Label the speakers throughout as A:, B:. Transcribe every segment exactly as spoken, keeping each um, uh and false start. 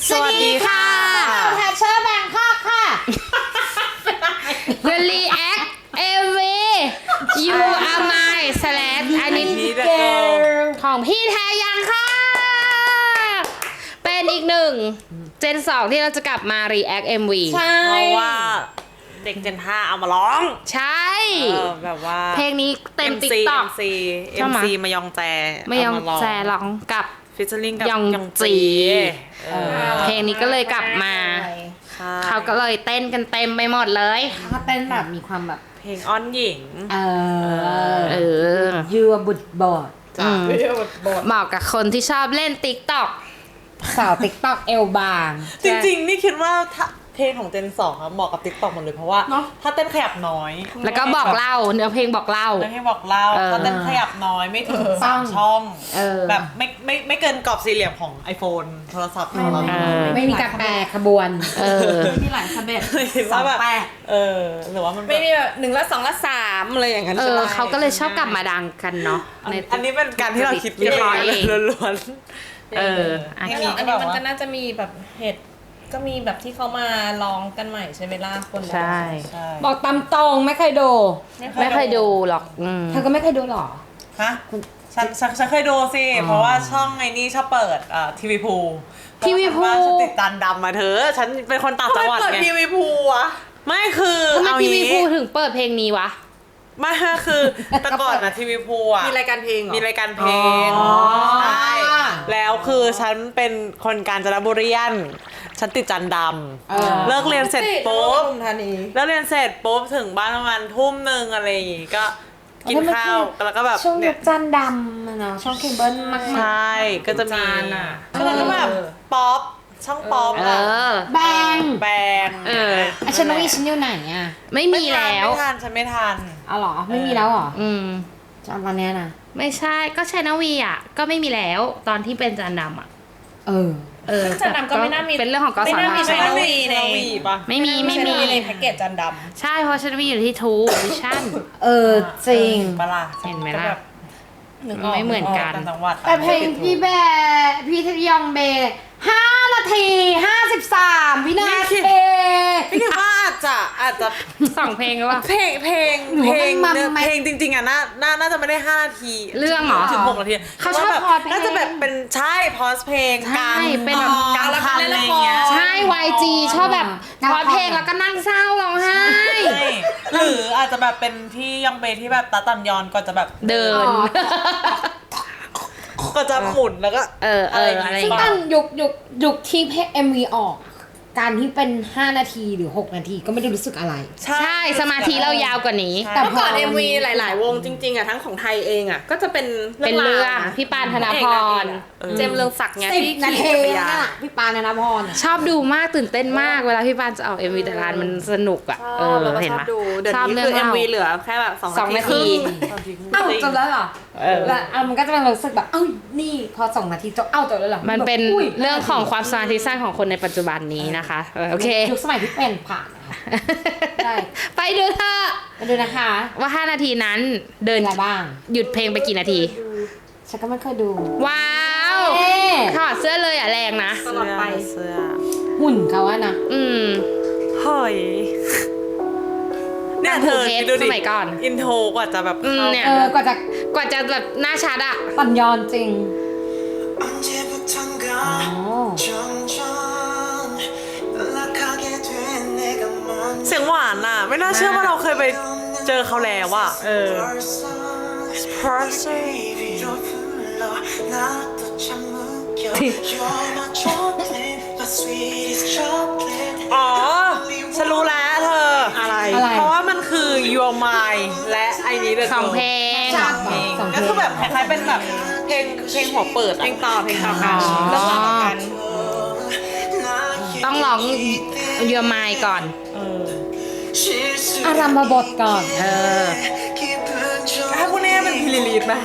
A: สวัสดีค่ะ
B: แพชเชอร์แบงคอกค่ะ
A: The React เอ วี You Are My Slash อันนี้ของพี่แทยังค่ะ เป็นอีกหนึ่งเจนสองที่เราจะกลับมา React เอ็ม วี
B: ใช่
C: เพราะว่าเด็กเจนห้าเอามาร้อง
A: ใช่
C: เออแบบว่า
A: เพลงนี้เต็ม
C: เอ็ม
A: ติ๊ก
C: ซี
A: ต็อก
C: เอ็มซีมายองแจ
A: ไม่ยองแจร้องกับ
C: ฟิชเชอร์ลิงกับ
A: ยอง
C: ยอง
A: จี
C: จีเออ
A: เพลงนี้ก็เลยกลับมา
C: ใช่
A: เขาก็เลยเต้นกันเต็มไปหมดเลย
B: เขาเต้นแบบมีความแบบ
C: เพลงอ้อนหญิง
B: เออ
A: เออ
B: ยูบุดบอด
A: อืมเหมาะกับคนที่ชอบเล่นติ๊กต็อก
B: สาวติ๊กต็อกเอลบาง
C: จริงๆ นี่คิดว่าถ้าเพลงของเจนสองอะเหมาะกับติ๊กต็อกหมดเลยเพราะว่า
B: เนอะ
C: ถ้าเต้นขยับน้อย
A: แล้วก็บอกเล่าเนื้อเพลงบอกเล่า
C: ไม่ให้บอกเล่า
A: เออ
C: ถ้าเต้นขยับน้อยไม่ถึงสามช่อง
B: เออ
C: แบบไม่ไม่ไม่เกินกรอบสี่เหลี่ยมของ iPhone โทรศัพท์ของเรา
A: เออ
B: ไม่มีการแปลขบวน
A: เออ
D: มีหลายสเต็ป
C: คิดว่าแบบ
B: สองแปด
C: เออหรือว่ามันแบบ
D: ไม่มีแบบหนึ่งละสองละสามอะไรอย่างนั้น
A: เอ
D: ใช่
A: อ
D: ไหม
A: เขาก็เลยชอบกลับมาดังกันเนาะ
C: อัน
A: ใน
C: อันนี้เป็นการที่เราคิด
A: วิเคราะห์เอง
C: ล้วนๆ
A: เอออ่ะ
C: เพล
D: อัน
C: ง
D: นี้
C: นี้
D: อั
C: ก็
D: น
C: แบ
D: นี้
C: บ
D: มัน
C: ว่า
D: ก็น่าจะมีแบบเหตุก็มีแบบที่เขามาร้องกันใหม่ใช่ไหมล่ะคน
A: ใช่
C: ใช่
B: บอกตามตรงไม่เคยดู
A: ไม่เคยดูหรอกอืม
B: เธอก็ไม่เคยดูหรอ
C: ฮะฉันฉันฉันเคยดูสิ เพราะว่าช่องไอ้นี่ชอบเปิดเอ่อทีวีพู
A: ทีวีพู
C: ฉันติดจานดำมาเธอ ฉันเป็นคนต่างจังหวัด
D: เปิด
C: ไง
D: ทีวีพูวะ
C: ไม่คือ
A: ทำไม
C: เอา
A: ทีวี
C: งี้
A: พูถึงเปิดเพลงนี้วะ
C: ไม่คือแต่ก่อนนะทีวีพูอ่ะ
D: มีรายการเพลงเหรอ
C: มีรายการเพลง
B: อ๋อ
C: ใช่แล้วคือฉันเป็นคนกาญจนบุรีนฉันติดจันด
B: เออ
C: ำเลิกเรียนเสร็จปุ๊บ
D: ปทุมธานี
C: แล้วเรียนเสร็จปุ๊บถึงบ้านประมาณทุ่มหนึ่งอะไรอย่างงี้ก็กินข้าวแล้วก็แบบ
B: ช่วง
C: เนี่
B: ยุ
C: ย
B: คจันดำอะเนาะช่องเคเบิลมาก
C: ใช่ก็จะมี
D: จานอะ
C: แล้วก็แบบป๊อปช่องป๊อป
A: เออ
B: ๆแบง
C: แบง
A: เออ
B: อ่ะฉันว่าฉันอยู่ไหนอ่ะ
A: ไม่มีแล้ว
C: ไม่ทันฉันไม่ทัน
B: เอาเหรอไม่มีแล้วเหรอ
A: อืม
B: จำตอนเนี้ยนะ
A: ไม่ใช่ก็ชนวีอ่ะ ก็ไม่มีแล้วตอนที่เป็นจานดำอ่ะ
B: เออ
A: เออ
D: จานดำก็ไม่น่ามี
A: เป็นเรื่องของกส
D: ไม่
A: ท
D: น่ามี
A: ช
D: Channel V ใน
C: Channel V ปะ
A: ไม่มีไม่มี
D: ในแพ็กเกจจานด
A: ใช่เพราะชนวีอยู่ที่ทูวิชั่น
B: เออจริง
C: ปะล่ะ
A: เห็นไหมล่ะ
C: ก็แบบ
D: ำนึกออก
A: ไม่เหมือนกัน
C: ต่างจังหวัด
B: แต่เพลงพี่แบร์พี่ทยองเบย์ห้านาทีห้าสิบสามวินาที
C: พี่คิดว่าอาจจะอาจจะ
A: สองเพลงหรือเปล่า
C: เพลงเพลง
B: หนู
C: เพล
B: ว่าง มัน
C: เนื้อ
B: มัน
C: เพลงจริงๆอ่ะน่าน่าน่าจะไม่ได้ห้านาที
A: เรื่องเหรอ
C: ถึงหกนาที
A: เขาชอบ
C: ว่แบบ
A: พอดเพลง
C: น่าจะแบบเป็นใช่พอสเพลง
A: ใช่
C: กลาง
A: เป็นแบบ
C: กลางคันอะไรอย่างเงี้ย
A: ใช่ วาย จี ชอบแบบพอดเพลงแล้วก็นั่งเศร้าร้องไห้
C: ใช่หรืออาจจะแบบเป็นพี่ยองเบที่แบบตาตันยอนก็จะแบบ
A: เดิน
C: ก็จะหมุนแล้วก็
A: เออเอออะไร
B: ซึ่ง
A: เงี้
B: ต
A: ย
B: อนยุคยุคยุคที่เพลง เอ็ม วี ออก การที่เป็นห้านาทีหรือหกนาทีก็ไม่ได้รู้สึกอะไร
A: ใช่สมาธิเรายาวกว่านี้
B: แต่
D: เมื่อก่อน เอ็ม วี หลาย ๆ วงจริง ๆอ่ะทั้งของไทยเองอ่ะก็จะเป็น
A: เป็นเรื่อง
D: าวนะ
A: พี่ปานธนพร
D: เอกนางเอกอะเจมส์เรืองศักดิ์ไง
B: สิบ
D: ที่
B: นา
D: ขี่
B: ที
D: จักรยา
B: นั่น
D: น
B: แหละพี่ปานธนพร
A: ชอบดูมากตื่นเต้นมากเวลาพี่ปานจะออกเอ็มวีแต่ละอันมันสนุกอ่ะ
D: ช
A: เอ
D: อบ
A: อ
D: แล้วก็
A: เห็น
D: ชอ
A: ไหม
D: บดูเดี๋ยว
A: ชอบ
D: นี้
A: เรื่อ
D: คื
A: ง
D: อ เอ็ม
A: เล่า
D: วีเหลือแค่แบบสอง
A: สอง
D: นา
A: นา
D: ที
A: ที
B: เอ้าจบแล้วเหรอ
A: เออ
B: แล้วเอามันก็จะเป็นรู้สึกแบบเอ้านี่พอสองนาทีจบเอ้าจบแล้วเหรอ
A: มันเป็น
B: อุ้ย
A: เรื่องของความสมาธิสั้นของคนในปัจจุบันนี้นะคะเออโอเค
B: ยุคสมัยที่เป็นผ่านนะคะ ได้
A: ไปดูเถอะ
B: มาดูนะคะ
A: ว่าห้านาทีนั้นเดิน
B: อะไรบ้าง
A: หยุดเพลงไปกี่นาที
B: ฉันก็ไม่เคยดู
A: ว้าว
B: เอ๊ะ
A: ถอดเสื้อเลยอ่ะแรงนะ
D: ตลอดไป
C: เสื้อ
B: หุ่นเขาอะนะ
A: อืม
C: เฮ้ยเนี่ยเธอ
A: ทำ
C: คิดดูดิ
A: สมัยก่อน
C: อินโทรกว่าจะแบบ
A: อืม
C: เข้า
A: เนี่ย
B: เออกว่าจะ
A: กว่าจะแบบหน้าชัดอ่ะ
B: ตันยอนจริง
E: 언제부턴가 점점 연락하게 된 내가 맘
C: เสียงหวานอ่ะ ไม่น่าเชื่อว่าเราเคยไปเจอเขาแล้วอ่ะเออ
E: Person 바by 로 불러 나도 참 웃겨 You're my chocolate my sweetest chocolate
C: อ๋อ ฉันรู้แล้วเธอ
D: อะไร
B: อะไร
C: เพราะว่ามันคือ Your Mind และไอ้นี้เด
A: สองเพลง
B: จาก
C: เพลง
B: สองเพลง
C: ก็คือแบบคล้ายๆเป็นแบบเพลงเพลงหัวเปิด
D: เพล
C: อะ
D: งต่อเพลงต่อกัน
A: อ๋อ
D: เรื่องราวต่อกัน
A: ต้องร้องเยอไมก่อน
C: เออ
B: อารัมพบทก่อน
A: เออ
C: ถ้าพวกนี้เป็นพิลิลีดไหม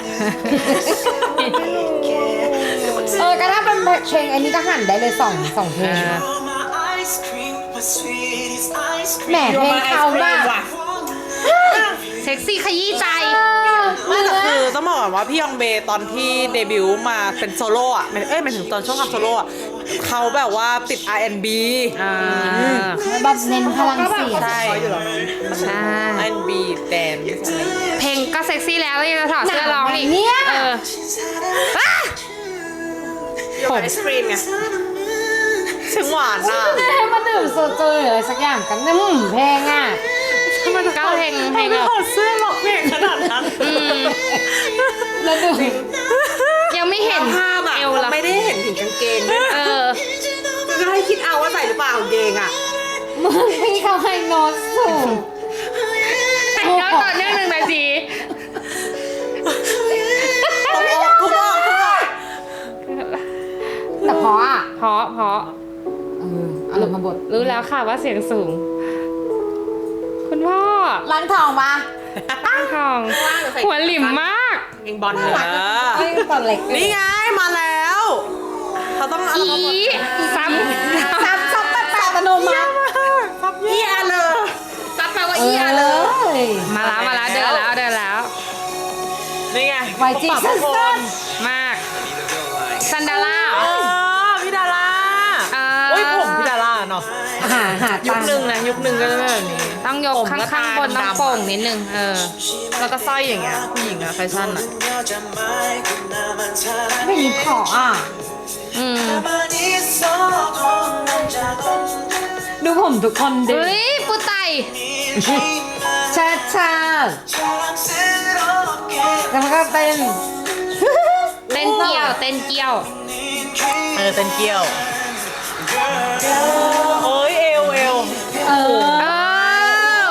B: เออก็ถ้าเป็นเพลงอันนี้ก็หันได้เลยสองสองเพลง แหมเพลงเขามาก
A: เซ็กซี่ขยี้ใจ
C: ไม่แต่คือต้องบอกก่อนว่าพี่ยองเบตอนที่เดบิวต์มาเป็นโซโล่อะเอ้ยหมายถึงตอนช่วงทำโซโล่อะเขาแบบว่าติด อาร์ แอนด์ บี
A: อ่า
B: แบบเน้นพลังเสียง
C: ใช่
A: ใช่
C: อาร์ แอนด์ บี แดนซ์อะไรอย่างเงี้ย
A: เพลงก็เซ็กซี่แล้วแล้วยังจะถอดเสื้อร้องอีก
B: เนี่ย
A: เอออ่ะ
C: ผมไอศครีมไงเสียงหวานอ่ะ
B: ให้มาดื่มโซจูหรืออะไรสักอย่างกันเนี่ยอืมเพลงอ่ะ
A: ก็เพลงเพลง
C: ไม่
A: แบบ
C: ถอดเสื้อหรอกเพลงขนาดนั้น
A: อืม
B: แล้วดู
A: ยังไม่เห็น
C: ภาพอะ
A: เอวละ
C: ไม่ได้เห็นถึงกางเกงด้วย
A: เอ
C: นะ
A: อ
C: จะให้คิดเอาว่าใส่หรือเปล่ากางเกงอ่ะ
B: มึงพี่เขาให้โน้ตสูง
A: แล้วต่อเนื่องหนึ่งนาที
C: ต้องออกทุกออกทุกออก
B: แต่เพราะอ่ะ
A: เพราะเพราะ
B: เอออารมณ์มาบท
A: รู้แล้วค่ะว่าเสียงสูง คุณพ่อ
B: ร้านทองมา
A: ตั้งทอง หัวหลิมมาก
C: เองบอลเนอะ
B: ไอ้ตอนเล็ก
C: นี่ไงมาแล้วเขาต้องเอา
A: อี
C: มาหมด
A: ซ้ำ
B: ซับซับแปดแปดอัตโนมัติ
C: เยี่ยเลย
A: ซับแปลว่า
B: เอ
A: เอีย
B: อ
A: เล
B: เลย ย
A: มาแล้วมาแล้วเดินแล้วเดินแล้ว
C: นี่ไง
B: ไวจี
C: ปรับ
B: สั้
C: ทุกคน
B: น
A: มากซันดาร่าเหร
C: เอ
A: อ
C: อพี่ดารา
A: เออ
C: โอ้ยผมพี่ดาราเนาะ
B: ๆหาหา
C: ยุ
B: ตั
C: ค
B: งค์
C: หนึ่งนะยุคหนึ่งก็จะเป็นแบบนี้
A: ต้องยก
C: ผม
A: ข้าง
C: ก็
A: ข้างบน
C: ตา
A: ต้อง
C: ดำๆ
A: โป่งนิดนึงเออ
C: แล้วก็สร้อยอย่างเงี้ยผู้หญิงอะแฟชั่นอะ
B: ไม่มีขออ่ะ
A: อืม
B: ดูผมทุกคนดิ
A: เฮ้ยปูไต
B: ชาชาแล้วก็เป็น
A: เต้นเกี่ยวเต้นเกี่ยว
C: เออเป็นเกี้ยวเอ้ยเอวเอว
B: เออ
A: เออ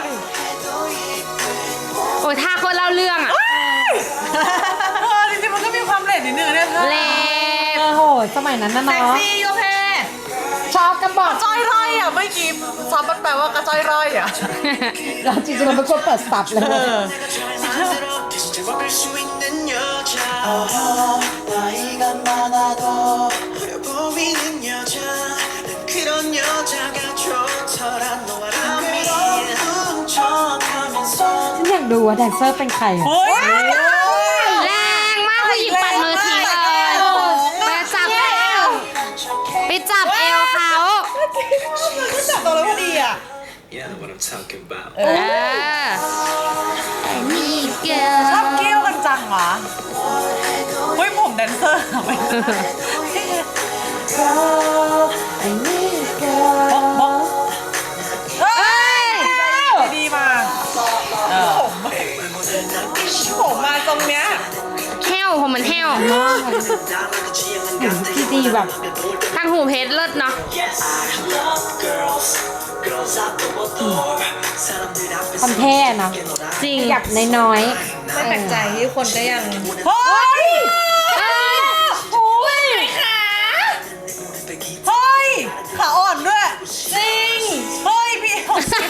A: โอ้ยท่าคนเล่าเรื่องอะ
C: เออจริงๆมันก็มีความเลดนิดนึงเนี่ยเธอ
A: เล็บ
B: โอ้โห สมัยนั้นนะ
C: เซ็ก
B: เนาะ
C: ซี่โอเค
B: ชอบกันบอก
C: จ้อยร่อยอ่ะเมื่อกี้ซอฟมันแปลว่ากระจ้อยร่อยอ่ะ
B: เราจริงๆเราเป็นคนเปิดสับเลย
C: เออ
E: 나이가 많아도 어려 보이는 여자 난 그런 여자가 좋더라 너와라면 훔쳐가면서
B: ฉันอยากดูว่าแดนเซอร์เป็นใครอะ
C: เฮ้ย
A: แรงมากผู้หญิงปัดมือทิ้งเลยไปจับเอวไปจับเอวเขา
C: ก็จับตัวแล้วพอดีอ่ะ
E: You know what I'm talking about
A: เออไอ้นี่เกิ
C: ชอบเกี้ยวกันจังวะเฮ้ยผมแดนเซอร์อะไม่บอกเฮ้ยดีมาผมผมมาตรงเนี้ย
A: แห้วผมมันแห้ว
B: ที่ดีแบบ
A: ทางหูเพชรเลิศเนาะ
B: คอนเท่เนาะ
A: จริง
B: หยับน้อยๆ
D: ไม่แปลกใจที่คนก็ยัง
C: เฮ้ย
A: เอ้ย
C: โอ้ยขาเฮ้ยขาอ่อนด้วยจริงเฮ้ยพี่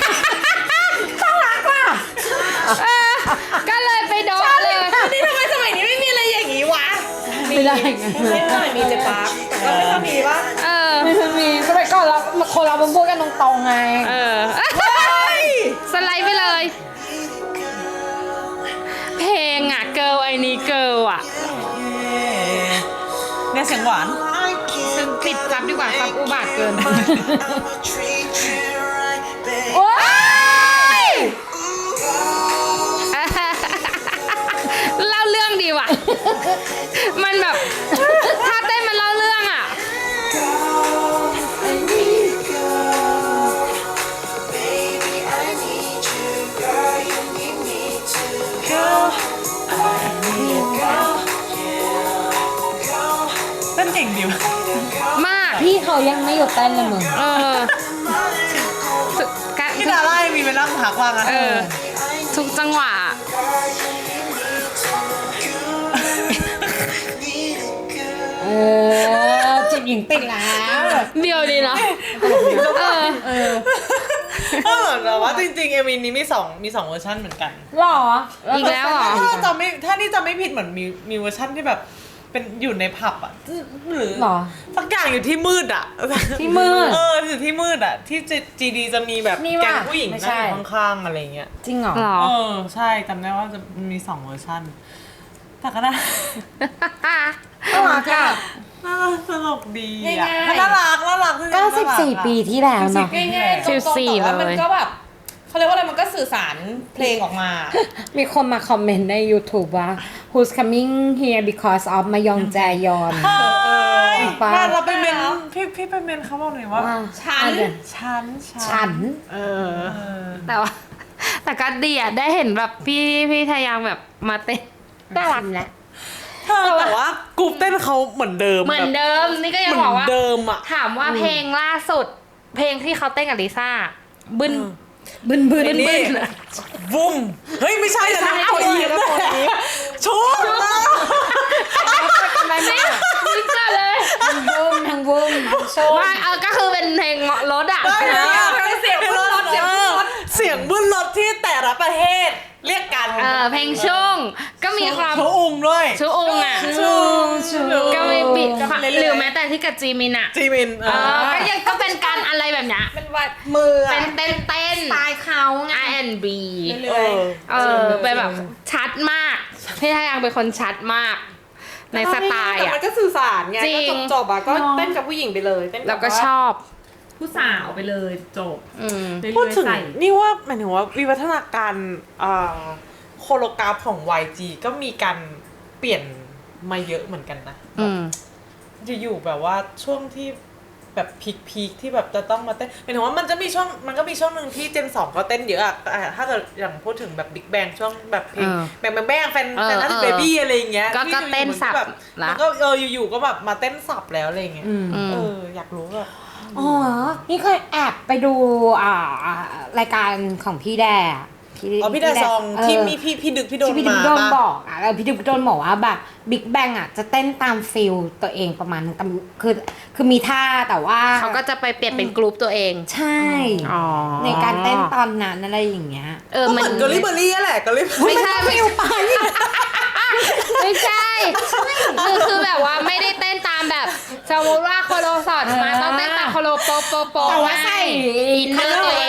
A: เออก็เลยไปโดนเลย
C: นี่ทำไมสมัยนี้ไม่มีอะไรอย่างนี้วะ
B: ไม่ได้ไง
D: ไม่เท่าไหร่มีเจปาร์คแต่ก็ไม่ค่อยมีปะ
A: เออ
B: ไม่เคยมีสมัยก่อนเราคนเราเป็นพูดกันตรงๆไง
A: เออสไลด์ไปเลย เพลงอ่ะเกิร์ลไอ้นี่เกิร์ลอ่ะ
C: เนี่ยเสียงหวาน
A: ซึ่งปิดซับดีกว่าซับอุบาทเกิน
B: โอ๊ย
A: เล่าเรื่องดีว่ะ มันแบบถ้าเต้นมันเล่าเรื่องอ่ะ
C: เต้นเก่งดิว
A: มาก
B: พี่เขายังไม่หยุดเต้นเลยมึง
A: เออทุกกะ
C: พี่ดารายังมีไปนั่งพักว่างอ่ะ
A: เออ ทุกจังหวะ
B: เออจิบหญิงติดแล้ว
A: เดียวดีเนาะเออ
B: เออ
C: เออแต่ว่าจริงๆเอ็มวีนี้มีสองมีสองเวอร์ชันเหมือนกัน
B: หรอ
A: อีกแล้วเหรอ
C: ถ้าจำไม่ถ้านี่จำไม่ผิดเหมือนมีมีเวอร์ชันที่แบบเป็นอยู่ในผับอ่ะหรือ
B: หรอ
C: สักอย่างอยู่ที่มืดอ่ะ
B: ที่มืด
C: เอออยู่ที่มืดอ่ะที่จีดีจะมีแบบ
B: นี่ว่ะ
C: แก๊งผู้หญิง
B: ไม่
C: นั่
B: ใช่
C: งอยู่ข้างๆอะไรเงี้ย
B: จริงเหรอ
A: หรอ
C: เออใช่จำได้ว่าจะมีสองเวอร์ชันแต่ก็น่า
B: น่ารักอ่ะ
C: น่ารักสนุกดีอ่ะ
D: ง่ายๆ
C: น่ารักน่ารัก
B: ก็สิบสี่ปีที่แล้วเนาะ
D: ง่ายๆตรงๆ
A: สิบสี่
D: แต่ว่ามัน
A: เลย
D: ก็แบบเขาเรียกว่าอะไรมันก็สื่อสารเพลงออกมา
B: มีคนมาคอมเมนต์ใน YouTube ว่า Who's coming here because of มายองแจยอน
C: เฮ้ย
B: ป้า
C: มาเราไปเมนพี่พี่ไปเมนเขาบอกหน่อยว่า
B: ว่า
D: ฉัน
B: อ่ะเดี๋ยว
C: ฉัน
B: ฉัน
C: เออ
A: แต่ว่า แต่ก็ดีอ่ะได้เห็นแบบพี่พี่ทายังแบบมาเต้นน่ารัก
B: แหละ
C: เธอแต่ว่ากรุ๊ปเต้นเขาเหมือนเดิม
A: เหมือนเดิมนี่ก็ยัง
C: เหมื
A: บ
C: อ
A: อก
C: น
A: ว่า
C: เดิมอ่ะ
A: ถามว่าเพลงล่าสุด เพลงที่เขาเต้นกับลิซ่าบึน
B: บึนบึน
A: บึน
C: นี่
A: บึน
C: วุ้มเฮ้ยไม่ใช่นะนะตัวยิ้มเลยชุบ
B: ทำไมไม่
A: ลิซ่าเลย
B: ทั้งบึมทั้งบึมทั้งโชว์
A: ว่าเออก็คือเป็นเพลงเงาะรถอ่ะ
C: ได้เลยเสียงบึ้นรถเสียงบึ้นรถเสียงบึ้นรถที่แต่ละประเทศเรียกกัน
A: เออเพลงช่วงก็มีความ
C: ชูอุ้งด้วย
A: ชูองอ่ะ
C: ชูชู
A: ก็มีบิด
C: ก็ไปเรื่อยๆ
A: หรือแม้แต่ที่กับจีมินอ่ะ
C: จีมิน
A: เออก็ยังก็เป็นการอะไรแบบเนี้ย
D: เป็นวัด
C: มือ
A: เป็นเต้นเต้น
B: สไตล์เขาไง
A: อาร์ แอนด์ บี
C: เออ
A: เออเป็นแบบชัดมากพี่ทายังเป็นคนชัดมาก ในสไตล์
D: แต่
A: อ่ะ
D: มันก็สื่อสารไง
A: จริง
D: ก็จบๆอ่ะก็เต้นกับผู้หญิงไปเลยเต้น
A: แล้วก็ชอบ
D: ผู้สาวไปเลยจบ
A: อืม
C: พูดถึงนี่ว่าหมายถึงว่าวิวัฒนาการเอ่อโคโรกราฟของ วาย จี ก็มีการเปลี่ยนมาเยอะเหมือนกันนะ
A: อืม
C: อยู่ๆแบบว่าช่วงที่แบบพีคๆที่แบบจะต้องมาเต้นหมายถึงว่ามันจะมีช่วงมันก็มีช่วงหนึ่งที่เจนสองก็เต้นเยอะอะอ่ะถ้าเกิดอย่างพูดถึงแบบบิ๊กแบงช่วงแบบเพลง
A: เออ
C: แบงแบงแบงแฟน
A: เออ
C: แฟนนัท
A: เออ
C: เบบี้อะไรอย่างเงี้ย
A: ก็
C: ที่
A: ก็
C: อยู่ๆ
A: เต้นสับ
C: แบบ
A: ละ
C: มันก็เอออยู่ๆก็แบบมาเต้นสับแล้วอะไรอย่างเงี้ย
B: อืม
A: อืม
C: เอออยากรู้แบบ
B: อ๋อ นี่เคยแอบไปดูอ่ารายการของพี่แด
C: อ๋อพี่แดซอง
B: เออ
C: ที่มีพี่พี่ดึกพี่โดน
B: ที่พี่ดึ
C: มาก
B: โดน
C: ปะ
B: บอกอ่ะแล้วพี่ดึกโดนบอกว่าแบบบิ๊กแบงอ่ะจะเต้นตามฟิลตัวเองประมาณนึงแต่คือคือมีท่าแต่ว่า
A: เขาก็จะไปเปลี่ยนเป็นกรุ๊ปตัวเอง
B: ใช่
A: อ๋อ
B: ในการเต้นตอนนั้นอะไรอย่างเงี้ย
A: เออ
C: ก็เห
A: มัน
C: มือนเกอรี่เบอร์รี่แหละเกอรี่
A: ไม่ใช่ไม่ใช่ไม่ใช่คือคือแบบว่าไม่ได้เต้นตามแบบสมมติว่าโคโลสอนมาต้องเต้นตามโคโลโปโปโป
B: แต่ว่าใส่
A: อินเนอร์ตัวเอง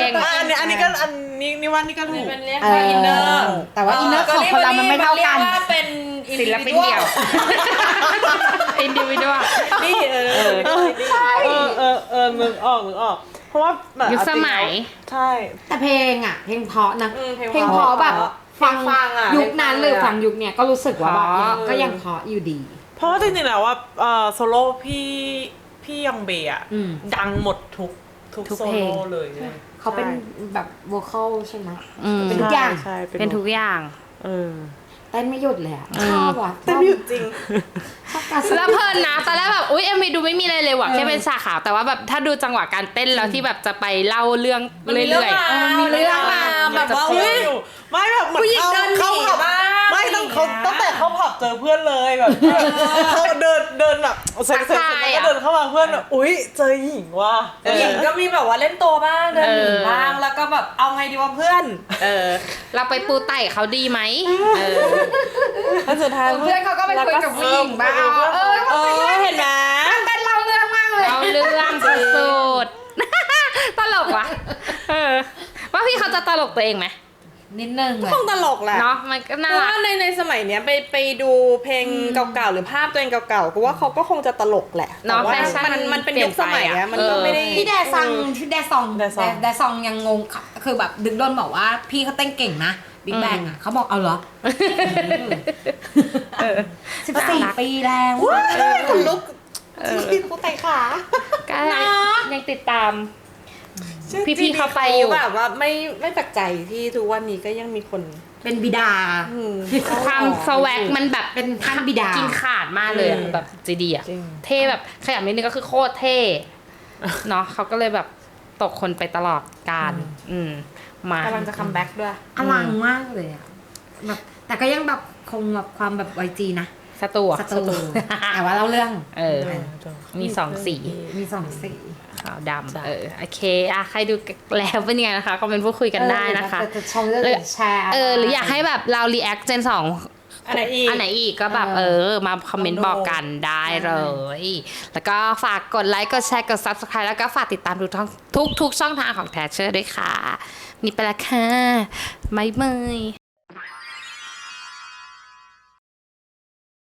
C: อ่ะอันนี้อันนี้ก็อันนี้นี่ว่านี่ก็ถูก
D: เป็นเรียก
B: เอ
D: ว่า
B: อ
D: อินเนอร์
B: แต่ว่าอินเนอร์ของคนเรามันไม่เท่ากัน
D: เรียว่าเป็น
A: ศิลปินเดี่ยว อินดิวิดว
D: นี่เออ
C: เออเออเออเออนึกออกนึกออก เพราะว่าแบบ
A: ยุคสมัย
C: ใช่
B: แต่เพลงอ่ะ เพลงเพราะนะ
C: อืมเพลง
B: เพลง
C: เพ
B: เพ
C: ราะ
B: ราะแบบฟัง
C: ฟังอะ
B: ยุคนั้นหรือฟังยุคเนี้ยก็รู้สึกว่าแบบ
A: เพราะ
B: ก็ยังเพราะอยู่ดี
C: เพราะว่าจริงๆแล้วว่าเอ่อโซโล่พี่พี่ยองเบย์อะ
B: อืม
C: ดังหมดทุกทุก
A: ทุก
C: โซ
A: เพลง
C: โล่เลยใช่
B: เขาเป็นแบบวอลคอลใช่ไหม
A: อืม
B: เป็นทุกอย่าง
C: ใช่
A: เป็นทุกอย่าง
C: เออ
B: เต้นไม่หยุดเลยอะ
A: อืม
B: ชอบว่ะ
C: เต้นไม่หยุดจริง
B: ชอบการแสด
A: แล้ว
B: ง
A: เพลินนะตอนแรกแบบอุ้ยเอ็มวีดูไม่มีอะไรเลยว่ะแค่เป็นฉากขาวแต่ว่าแบบถ้าดูจังหวะการเต้นแล้วที่แบบจะไปเล่าเรื่อง
D: มันมีเรื่
A: เรื่
D: อง
A: อย
D: ราว
B: มีเรื่องราว
D: แบบว่า
C: เฮ้
D: อุ้
C: ย
D: ย
C: ไม่แบบเหมือน
D: ผู้หญิง
C: เข้า
D: เดินหนี
C: เข้าผับ
D: บ้าง
C: ไม่ต้องเขา
D: อะไรอย่างเงี้ย
C: ตั้งแต่เข้าผับเจอเพื่อนเลยแบบเขาเดินเดินแบบเสร็จเสร็จเสร็จแล้วก็เดินเข้ามาเพื่อนแบบอุ้ยเจอหญิงว่ะ
D: ผู้หญิงก็มีแบบว่าเล่นตัวบ้างเดินหนีบ้างแล้วก็แบบเอาไงดีวะเพื่อน
A: ๆเออ เราไปปูไต่เขาดีไหมเออ
C: แล้วสุดท้าย
B: เพื่อนเขาก็ไปคุยกับผู้หญิงบ้างเออ
C: เออเห็นไหม
B: เต้นเล่าเรื่องมากเลย
A: เราเรื่องสุดๆ ตลกว่ะเออว่าพี่เขาจะตลกตัวเองไหม
B: นิดนึงแหละ
D: คงตลกแหละ
A: เนาะมันก็
D: เพ
A: น่า
D: ราะ
A: รั
D: ว่าก ในในสมัยเนี้ยไปไปดูเพลงเก่าๆหรือภาพตัวเองเก่าๆก็ว่าเขาก็คงจะตลกแหละ
A: เนาะ
D: แต่ว่า
A: แฟชั่น
D: มันมันเป็น
A: เปลี่
D: ยุ
A: ย
D: คน สมัย
A: ไปอะ
D: อะมันก็ไม่ได้
B: พี่แดซังพี่แดซอง
C: แดซอง
B: แดซองยังงงค่ะคือแบบดึงโดนบอกว่าพี่เขาเต้นเก่งนะบิ๊กแบงอ่ะเขาบอกเอาเหรอสิบสี่ปีแล้ว
C: คนลุกที่กูไต่ขา
A: ก็ยังติดตาม พี่ๆเขาไปอยู่
D: แบบว่าไม่ไม่แปลกใจที่ทุกวันนี้ก็ยังมีคน
B: เป็นบิดา
A: ความสวักมันแบบ
B: เป็นท่านบิดากิ
A: กินขาดมากเลยอะ
C: อืม
A: แบบจีดีอะ
C: จริง
A: เท่แบบขยับนิดนึงก็คือโคตรเท่ เนาะเขาก็เลยแบบตกคนไปตลอดการ อืมมาก
D: ำลังจะคัมแบ็กด้วย
B: อลังมากเลยอะแบบแต่ก็ยังแบบคงแบบความแบบไวจีนะ
A: สตูอะ
B: สตูแต่ว่าเล่าเรื่อง
A: เออ มีสองสี
B: มีสองสี
A: ขาวดำเออโอเคอะใครดูแล้วเป็นยังไงนะคะคอมเมนต์พูดคุยกันได้นะคะ
B: จะจะชมจะแชร์
A: เออหรืออยากให้แบบเรา react เจนสอง
D: อันไหนอีก
A: อันไหนอีกก็แบบเออ มาคอมเมนต์บอกกันได้เลย แล้วก็ฝากกดไลค์กดแชร์กด subscribe แล้วก็ฝากติดตามทุกช่องทุกทุกช่องทางของแทชเชอร์ด้วยค่ะ นี่ไปละค่ะบ๊ายบาย